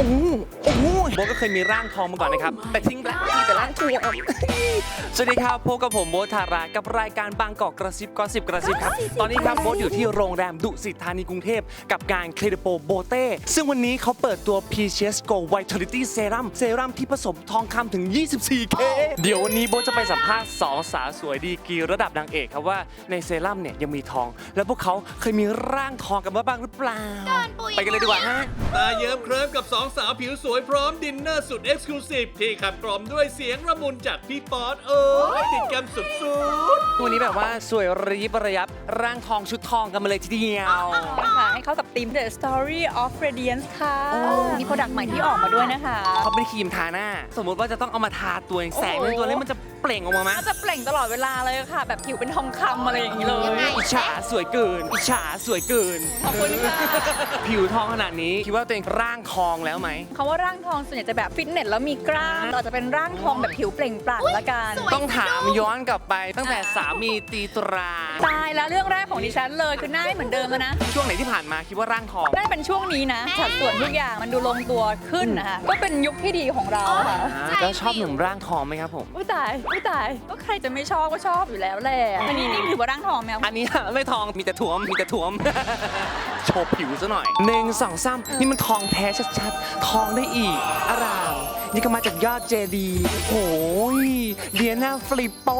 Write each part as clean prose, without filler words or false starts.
โอ้โหโบก็เคยมีร่างทองมาก่อนนะครับแต่ทิ้งไปแล้วมีแต่ร่างทองสวัสดีครับพบกับผมโบ๊ทธารากับรายการบางกอกกระซิบก็สิบกระซิบครับตอนนี้ครับโบ๊ทอยู่ที่โรงแรมดุสิตธานีกรุงเทพกับงาน Credipo Botte ซึ่งวันนี้เขาเปิดตัว Peaches Go Vitality Serum เซรั่มที่ผสมทองคำถึง 24K เดี๋ยววันนี้โบ๊ทจะไปสัมภาษณ์2 สาวสวยดีกรีระดับนางเอกครับว่าในเซรั่มเนี่ยยังมีทองแล้วพวกเขาเคยมีร่างทองกันมาบ้างหรือเปล่าไปกันเลยดีกว่าฮะตาเยิ้มเคลิ้มกับ2 สาวผิวสวยพร้อมดินเนอร์สุดเอ็กซ์คลูซีฟที่ขับกล่อมด้วยเสียงระมุนจากพี่ป๊อตติดกันสุดวันนี้แบบว่าสวยระยิบระยับร่างทองชุดทองกันมาเลยทีเดียวค่ะให้เข้ากับธีม The Story of Radiance ค่ะ มีโปรดักต์ใหม่ที่ออกมาด้วยนะคะเขาเป็นครีมทาหน้า สมมุติว่าจะต้องเอามาทาตัวเองแสงในตัวแล้วมันจะเปล่งออกมาไหมก็จะเปล่งตลอดเวลาเลยค่ะ แบบผิวเป็นทองคำอะไรอย่างนี้เลยอิจฉาสวยเกินอิจฉาสวยเกินขอบคุณค่ะผิวทองขนาดนี้คิดว่าตัวเองร่างทองแล้วไหมคำว่าร่างทองส่วนใหญ่จะแบบฟิตเนสแล้วมีกล้ามอาจจะเป็นร่างทองแบบผิวเปล่งปลั่งละกันต้องถามย้อนกลับไปตั้งแต่สามีตีตราตายแล้วเรื่องแรกของดิฉันเลยคือหน้าไม่เหมือนเดิมแล้วนะช่วงไหนที่ผ่านมาคิดว่าร่างทองน่าจะเป็นช่วงนี้นะสัดส่วนทุกอย่างมันดูลงตัวขึ้นนะคะก็เป็นยุคที่ดีของเราค่ะแล้วชอบหนุ่มร่างทองไหมครับผมอุ้ยตายก็ใครจะไม่ชอบก็ชอบอยู่แล้วแหละอันนี้นี่ถือว่าร่างทองไหมอันนี้ไม่ทองมีแต่ถ่วมมีแต่ถ่วม โชว์ผิวซะหน่อย1 2 3นี่มันทองแท้ชัดๆ ทองได้อีกอารามนี่ก็มาจากยอดเจดีย์โอ้ยเดียนาฟลิปโป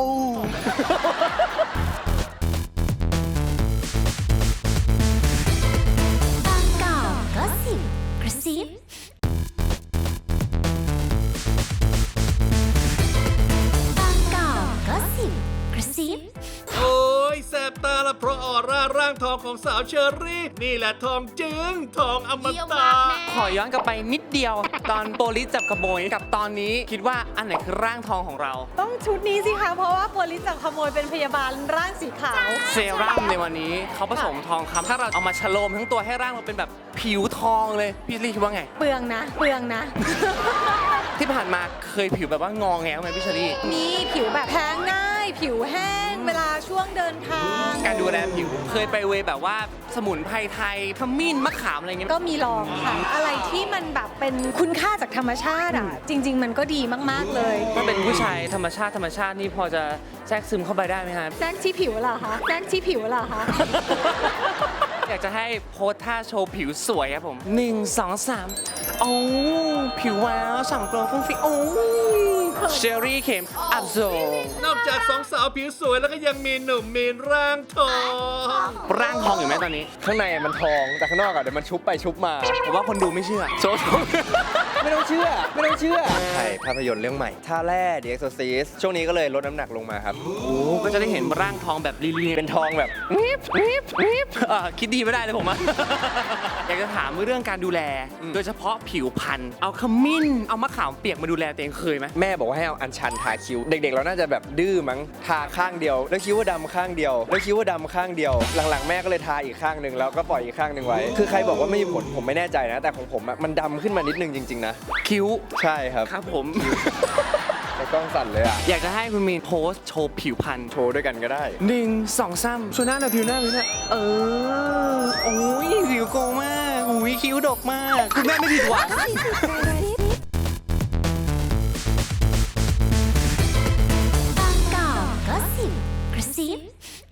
บางกอกก็สิบกระซิบางกอกก็สิบกระซิบๆ โอ้ยแสบตาละเพราะออร่าร่างทองของสาวเชอรี่ นี่แหละทองจึงทองอมตะขอย้อนกลับไปนิดเดียว ตอนโปลิสจับขโมยกับตอนนี้คิดว่าอันไหนคือร่างทองของเราต้องชุดนี้สิคะ เพราะว่าโพลิสจับขโมยเป็นพยาบาลร่างสีขาวเซรั่มในวันนี้เขาผสมทองคำถ้าเราเอามาฉโลมทั้งตัวให้ร่างเราเป็นแบบผิวทองเลย พี่ลี่คิดว่าไงเปลืองนะ เปลืองนะที่ผ่านมาเคยผิวแบบว่างอแงไหมพี่เชอรี่มีผิวแบบแพ้ง่าย ผิวแห้ง เวลาช่วงเดินทางการดูแลผิวเคยไปเวย์แบบว่าสมุนไพรไทยขมิ้นมะขามอะไรเงี้ยก็มีลองค่ะ อะไรที่มันแบบเป็นคุณค่าจากธรรมชาติอ่ะ จริง ๆ มันก็ดีมากๆเลยถ้าเป็นผู้ชายธรรมชาตินี่พอจะแทรกซึมเข้าไปได้ไหมครับแซกที่ผิวเหรอคะแซกที่ผิวเหรอคะอยากจะให้โพสท่าโชว์ผิวสวยครับผม1 2 3โอ้ผิวว้าวฉ่ำโกลว์ฟุ้งฟิ้งโอ้เชอรี่เข็มอับโซนอกจาก2 สาวผิวสวยแล้วก็ยังมีหนุ่มมีนร่างทองร่างทองอยู่ไหมตอนนี้ข้างในมันทองแต่ข้างนอกอะเดี๋ยวมันชุบไปชุบมาผมว่าคนดูไม่เชื่อโชว์ไม่ต้องเชื่อ ไม่ต้องเชื่อถ่ายภาพยนตร์เรื่องใหม่ท่าแร่ The Exorcist ช่วงนี้ก็เลยลดน้ำหนักลงมาครับโอ้ก็จะได้เห็นร่างทองแบบลีเป็นทองแบบคิดดีไม่ได้เลยผมอะ อยากจะถามเรื่องการดูแล โดยเฉพาะผิวพรรณเอาขมิ้นเอามะขามเปียกมาดูแลตัวเองเคยไหมแม่บอกว่าให้เอาอัญชันทาคิ้ว เด็กๆ เราน่าจะแบบดื้อมั้งทาข้างเดียว แล้วคิ้วว่าดำข้างเดียว แล้วคิ้วว่าดำข้างเดียว หลังๆ แม่ก็เลยทาอีกข้างหนึ่งแล้วก็ปล่อยอีกข้างหนึ่งไว้ คือใครบอกว่าไม่มีผลผมไม่แน่ใจนะ แต่ของผมอะมันดำขึ้นมานิดนึงจริงๆนะคิ้วใช่ครับครับผมในกล้องสั่นเลยอะอยากจะให้คุณมีนโพสต์โชว์ผิวพรรณโชว์ด้วยกันก็ได้ 1 2 3ช่วยหน้าหน่อยผิวหน้าโอ้ยผิวโกงมากอุ้ยคิ้วดกมากคุณแม่ไม่ผิดหวังบางกอกก็สิบกระซิบ